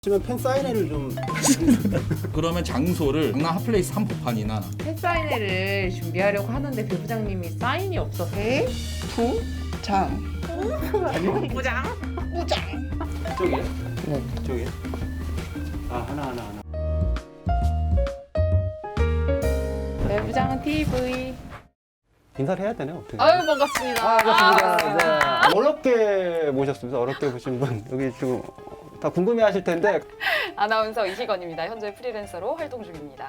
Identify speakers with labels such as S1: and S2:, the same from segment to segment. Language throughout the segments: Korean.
S1: 지금 팬 사인회를 좀
S2: 그러면 장소를 강남 핫플레이스 한복판이나
S3: 팬사인회를 준비하려고 하는데 배부장님이 사인이 없어서
S4: 부장.
S3: 부장?
S1: 이쪽이요?
S4: 네.
S1: 이쪽이요? 아 하나.
S3: 배부장 TV.
S1: 인사를 해야 되네 어떻게?
S3: 아유 반갑습니다.
S1: 반갑습니다. 네. 어렵게 모셨습니다. 어렵게 보신 분 여기 지금 다 궁금해하실 텐데
S4: 아나운서 이희건입니다. 현재 프리랜서로 활동 중입니다.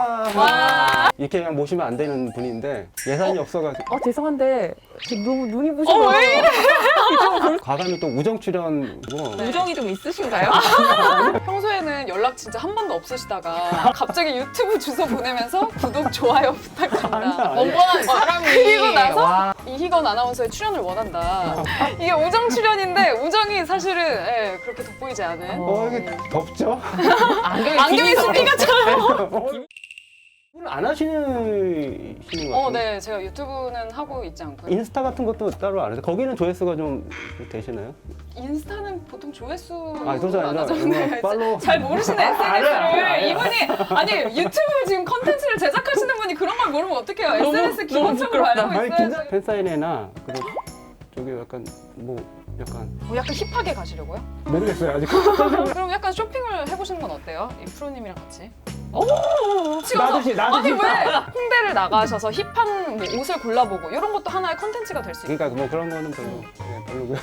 S1: 와 이렇게 그냥 모시면 안 되는 분인데 예산이 없어가지고
S3: 죄송한데 지금 너무 눈이 부셔서
S4: 왜 이래?
S1: 과감히 또 우정 출연이고
S3: 우정이 좀 있으신가요?
S4: 평소에는 연락 진짜 한 번도 없으시다가 갑자기 유튜브 주소 보내면서 구독, 좋아요 부탁합니다.
S3: 뻔뻔한 사람이
S4: 그리고 나서
S3: 와.
S4: 이희건 아나운서의 출연을 원한다. 이게 우정 출연인데 우정이 사실은 그렇게 돋보이지 않은
S1: 이게 덥죠?
S4: 안경이 스피가처럼.
S1: 오늘 안 하시는 것 같아요.
S4: 네, 제가 유튜브는 하고 있지 않고요.
S1: 인스타 같은 것도 따로 안 해서 거기는 조회수가 좀 되시나요?
S4: 인스타는 보통 조회수
S1: 그것이 아니라 팔로우
S4: 잘 모르시네 SNS를. 이분이 아니 유튜브 지금 컨텐츠를 제작하시는 분이 그런 걸 모르면 어떡해요. SNS 기본적으로 알고 있어요.
S1: 팬사인회나 그리고 저기 약간 약간
S4: 약간 힙하게 가시려고요?
S1: 모르겠어요 아직.
S4: 그럼 약간 쇼핑을 해보시는 건 어때요? 이 프로님이랑 같이.
S1: 나도
S4: 아니 왜 홍대를 나가셔서 힙한 옷을 골라보고 이런 것도 하나의 컨텐츠가 될 수 있어요.
S1: 그러니까 그런 거는 별로고요.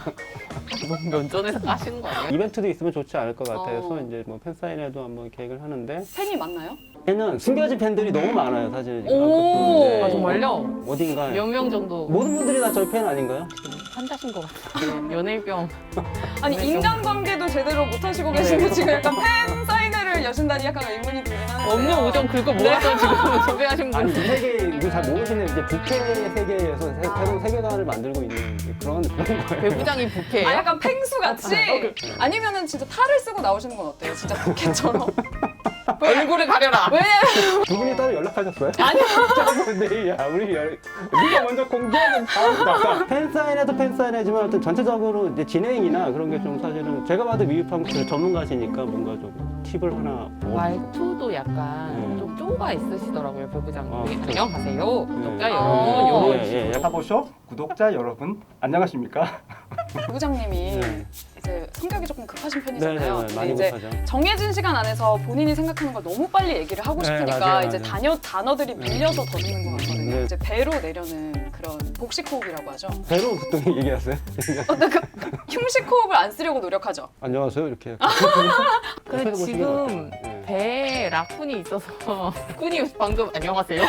S3: 면전에서 까시는 거 아니에요?
S1: 이벤트도 있으면 좋지 않을 것 같아서
S4: 어.
S1: 이제 팬사인회도 한번 계획을 하는데
S4: 팬이 많나요?
S1: 얘는 숨겨진 팬들이 너무 많아요 사실.
S4: 오.
S1: 네.
S3: 아 정말요?
S1: 어딘가
S3: 몇 명 정도
S1: 모든 분들이 다 저희 팬 아닌가요?
S3: 환자신 것 같아요. 연예병.
S4: 아니 인간관계도 제대로 못하시고 계신데 지금 약간 팬 사인회를 여신다니 약간 의문이 들긴 하는데.
S3: 없는 우정 긁어 모아서 지금 섭외하신
S1: 아니
S3: 분.
S1: 이 세계 이거 잘 모르시는 이제 부캐 세계에서 새로운 세계관을 만들고 있는 그런 거예요.
S3: 배부장이 부캐예요?
S4: 아 약간 펭수 같이 아니면은 진짜 탈을 쓰고 나오시는 건 어때요? 진짜 부캐처럼.
S3: 얼굴을 가려라.
S4: 왜냐면
S1: 두 분이 따로 연락하셨어요?
S4: 아니요.
S1: 근데 야 우리가 먼저 공개하는 다음 팬사인회도 팬사인회지만 하여튼 전체적으로 이제 진행이나 그런 게 좀 사실은 제가 봐도 미흡한 전문가시니까 뭔가 좀 팁을 하나
S3: 말투도 약간 좀 쪼가 있으시더라고요, 배부장님.
S1: 네.
S3: 안녕하세요, 구독자
S1: 네.
S3: 여러분. 요런
S1: 예. 사보숍 구독자 여러분 안녕하십니까?
S4: 부장님이
S1: 네.
S4: 이제 성격이 조금 급하신 편이잖아요. 근데
S1: 많이
S4: 이제
S1: 못하죠.
S4: 정해진 시간 안에서 본인이 생각하는 걸 너무 빨리 얘기를 하고
S1: 네,
S4: 싶으니까
S1: 맞아요,
S4: 이제
S1: 맞아요.
S4: 단어들이 밀려서 더 듣는 것 같거든요.
S1: 네.
S4: 이제 배로 내려는 그런 복식 호흡이라고 하죠.
S1: 배로 보통 얘기하세요?
S4: 흉식 호흡을 안 쓰려고 노력하죠.
S1: 안녕하세요 이렇게.
S3: 근데 지금
S1: 네.
S3: 배에 라쿤이 있어서 쿤이 방금 안녕하세요.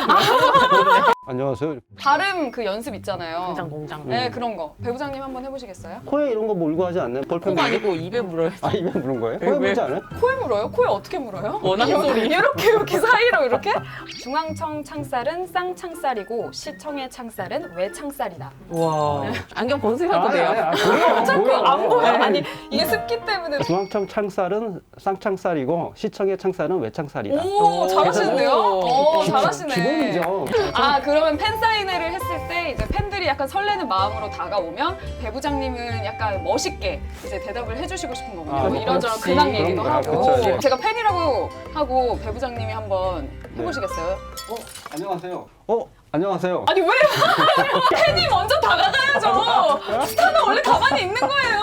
S1: 안녕하세요.
S4: 발음 그 연습 있잖아요.
S3: 공장.
S4: 네, 그런 거. 배부장님 한번 해보시겠어요?
S1: 코에 이런 거 물고 하지 않나요? 볼펜
S3: 코가
S1: 물고?
S3: 아니고 입에 물어요.
S1: 입에 물은 거예요? 코에
S3: 왜?
S1: 물지 않아요?
S4: 코에 물어요? 코에 어떻게 물어요?
S3: 원하는 소리.
S4: 이렇게 사이로 이렇게? 중앙청 창살은 쌍창살이고 시청의 창살은 외창살이다.
S3: 와. 안경 벗으셔도 돼요.
S4: 자꾸 안 보여.
S3: 네.
S4: 아니 이게 습기 때문에.
S1: 중앙청 창살은 쌍창살이고 시청의 창살은 외창살이다.
S4: 오 잘하시는데요? 오
S1: 기본-
S4: 잘하시네.
S1: 기본이죠.
S4: 아 그러면 팬 사인회를 했을 때 이제 팬들이 약간 설레는 마음으로 다가오면 배부장님은 약간 멋있게 이제 대답을 해주시고 싶은 거군요.
S1: 아,
S4: 뭐 이런저런
S3: 그렇지.
S4: 근황 얘기도
S1: 그런
S4: 하고.
S1: 거야. 그쵸,
S4: 제가 팬이라고 하고 배부장님이 한번 해보시겠어요?
S1: 안녕하세요. 안녕하세요.
S4: 아니 왜 팬이 먼저 다가가야죠. 스타는 원래 가만히 있는 거예요.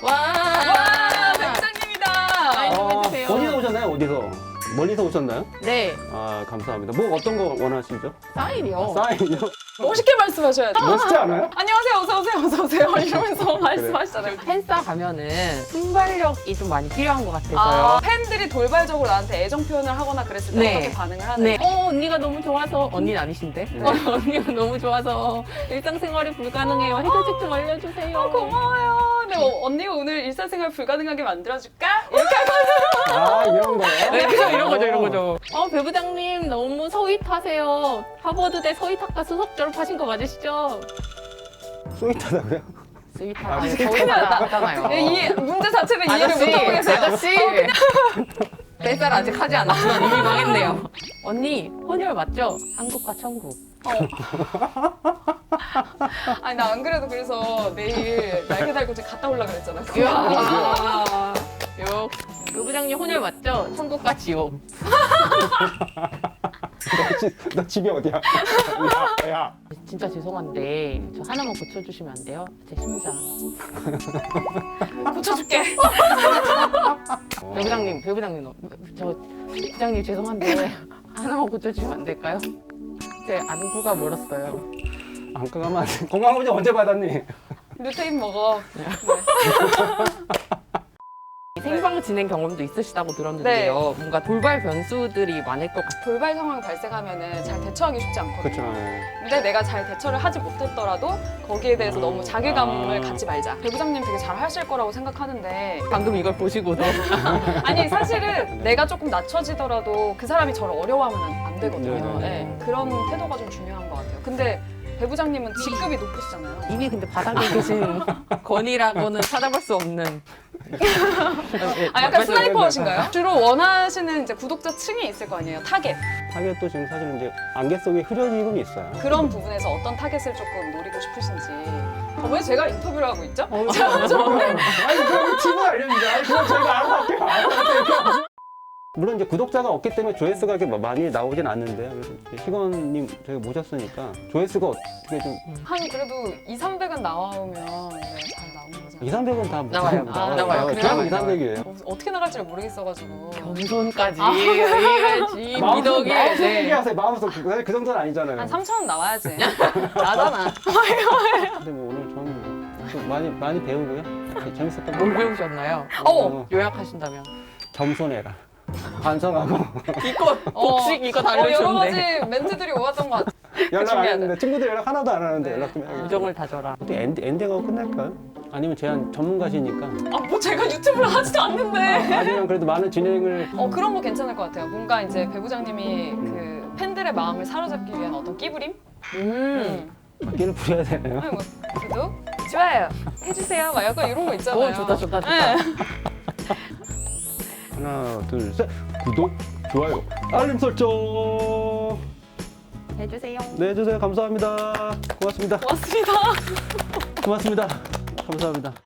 S3: 와.
S4: 배부장님이다.
S3: 좀 해주세요.
S1: 어디서 오셨나요? 어디서? 멀리서 오셨나요?
S3: 네.
S1: 아 감사합니다. 뭐 어떤 거 원하시죠?
S3: 사인이요.
S1: 사인이요?
S4: 멋있게 말씀하셔야 돼요.
S1: 멋있지 않아요?
S4: 안녕하세요, 어서 오세요, 어서 오세요 이러면서 말씀하시잖아요.
S3: 팬싸 가면은 순발력이 좀 많이 필요한 것 같아서요.
S4: 아, 팬들이 돌발적으로 나한테 애정 표현을 하거나 그랬을 때
S3: 네.
S4: 어떻게 반응을 하는?
S3: 네. 언니가 너무 좋아서 언니는 아니신데. 언니가 너무 좋아서 일상생활이 불가능해요. 해결책 좀 알려주세요.
S4: 고마워요. 근데 언니가 오늘 일상생활 불가능하게 만들어줄까? 이렇게 하고
S1: 이런 거요?
S3: 네, 그죠, 이런 거죠. 배부장님 너무 서윗하세요. 하버드대 서윗학과 수석 졸업하신 거 맞으시죠?
S1: 스윗하다고요?
S3: 스윗하다. 서윗하다잖아요.
S4: 이 문제 자체를 이해를 못하고 계세요.
S3: 아저씨. 뱃살 아직 하지 않았지만 이미 망했네요. 언니 혼혈 맞죠? 한국과 천국.
S4: 아니 나 안 그래도 그래서 내일 날개 달고 갔다 올라 그랬잖아.
S3: 이야. 요. 부장님 혼혈 맞죠? 천국과 지옥.
S1: 너 집이 어디야? 야.
S3: 진짜 죄송한데 저 하나만 고쳐주시면 안 돼요? 제 심장.
S4: 고쳐줄게.
S3: 배부장님, 저 부장님 죄송한데 하나만 고쳐주시면 안 될까요? 제 안구가 멀었어요.
S1: 안가 가면 안 돼. 건강검진 언제 받았니?
S4: 루테인 먹어.
S3: 생방 진행 경험도 있으시다고 들었는데요. 뭔가 돌발 변수들이 많을 것 같아요.
S4: 돌발 상황이 발생하면은 잘 대처하기 쉽지 않거든요.
S1: 그렇죠.
S4: 근데 내가 잘 대처를 하지 못했더라도 거기에 대해서 너무 자괴감을 갖지 말자. 배부장님 되게 잘 하실 거라고 생각하는데
S3: 방금 이걸 보시고도
S4: 아니 사실은 내가 조금 낮춰지더라도 그 사람이 저를 어려워하면 안 되거든요.
S1: 네네.
S4: 네, 그런 태도가 좀 중요한 것 같아요. 근데 배부장님은 직급이 높으시잖아요.
S3: 이미 근데 바닥에 계신 건이라고는 찾아볼 수 없는.
S4: 아 약간 스나이퍼신가요? 주로 원하시는 이제 구독자 층이 있을 거 아니에요. 타겟.
S1: 타겟도 지금 사실 이제 안개 속에 흐려지고는 있어요.
S4: 그런 부분에서 어떤 타겟을 조금 노리고 싶으신지. 왜 제가 인터뷰를 하고 있죠?
S1: 아니 그럼 팁을 알려주자. 아니 그건 저희가 알아서 할게요. 물론 이제 구독자가 없기 때문에 조회수가 이렇게 많이 나오진 않는데요. 그래서 이제 희건님 저희가 모셨으니까 조회수가 어떻게 좀
S4: 한 그래도 2,300은 나오면 네, 잘 나오는 거죠.
S1: 2, 300은 다
S3: 나와요. 나와요.
S1: 그냥 2,
S3: 나와요.
S1: 300이에요.
S4: 어떻게 나갈지를 모르겠어가지고.
S3: 겸손까지 해야지. 미덕이.
S1: 마음속
S3: 네.
S1: 얘기하세요. 마음속 그 정도는 아니잖아요.
S4: 한 3,000원 나와야지.
S3: 나잖아.
S1: 근데 뭐 오늘 저는 좀 많이 배우고요. 재밌었던 것
S3: 뭘
S1: 같아요.
S3: 배우셨나요? 요약하신다면.
S1: 겸손해라. 반성하고
S3: 이거 복식 이거
S4: 여러
S3: 달려주는데.
S4: 가지 멘트들이 오갔던 것 같아요.
S1: 연락 안
S3: 준비하자.
S1: 했는데 친구들 연락 하나도 안 하는데
S4: 네.
S1: 연락 좀 해야겠다.
S3: 우정을 다져라.
S1: 어떻게 엔딩하고 끝낼까요? 아니면 제한 전문가시니까
S4: 뭐 제가 유튜브를 하지도 않는데.
S1: 아니면 그래도 많은 진행을
S4: 그런 거 괜찮을 것 같아요. 뭔가 이제 배부장님이 그 팬들의 마음을 사로잡기 위한 어떤 끼부림?
S1: 바퀴를 부려야 되나요?
S4: 아니, 뭐 구독, 좋아요 해주세요. 막 약간 이런 거 있잖아요.
S3: 좋다.
S4: 네.
S1: 하나 둘 셋 구독 좋아요 알림 설정
S3: 해주세요.
S1: 네 해주세요 감사합니다 고맙습니다
S4: 고맙습니다.
S1: 고맙습니다 감사합니다.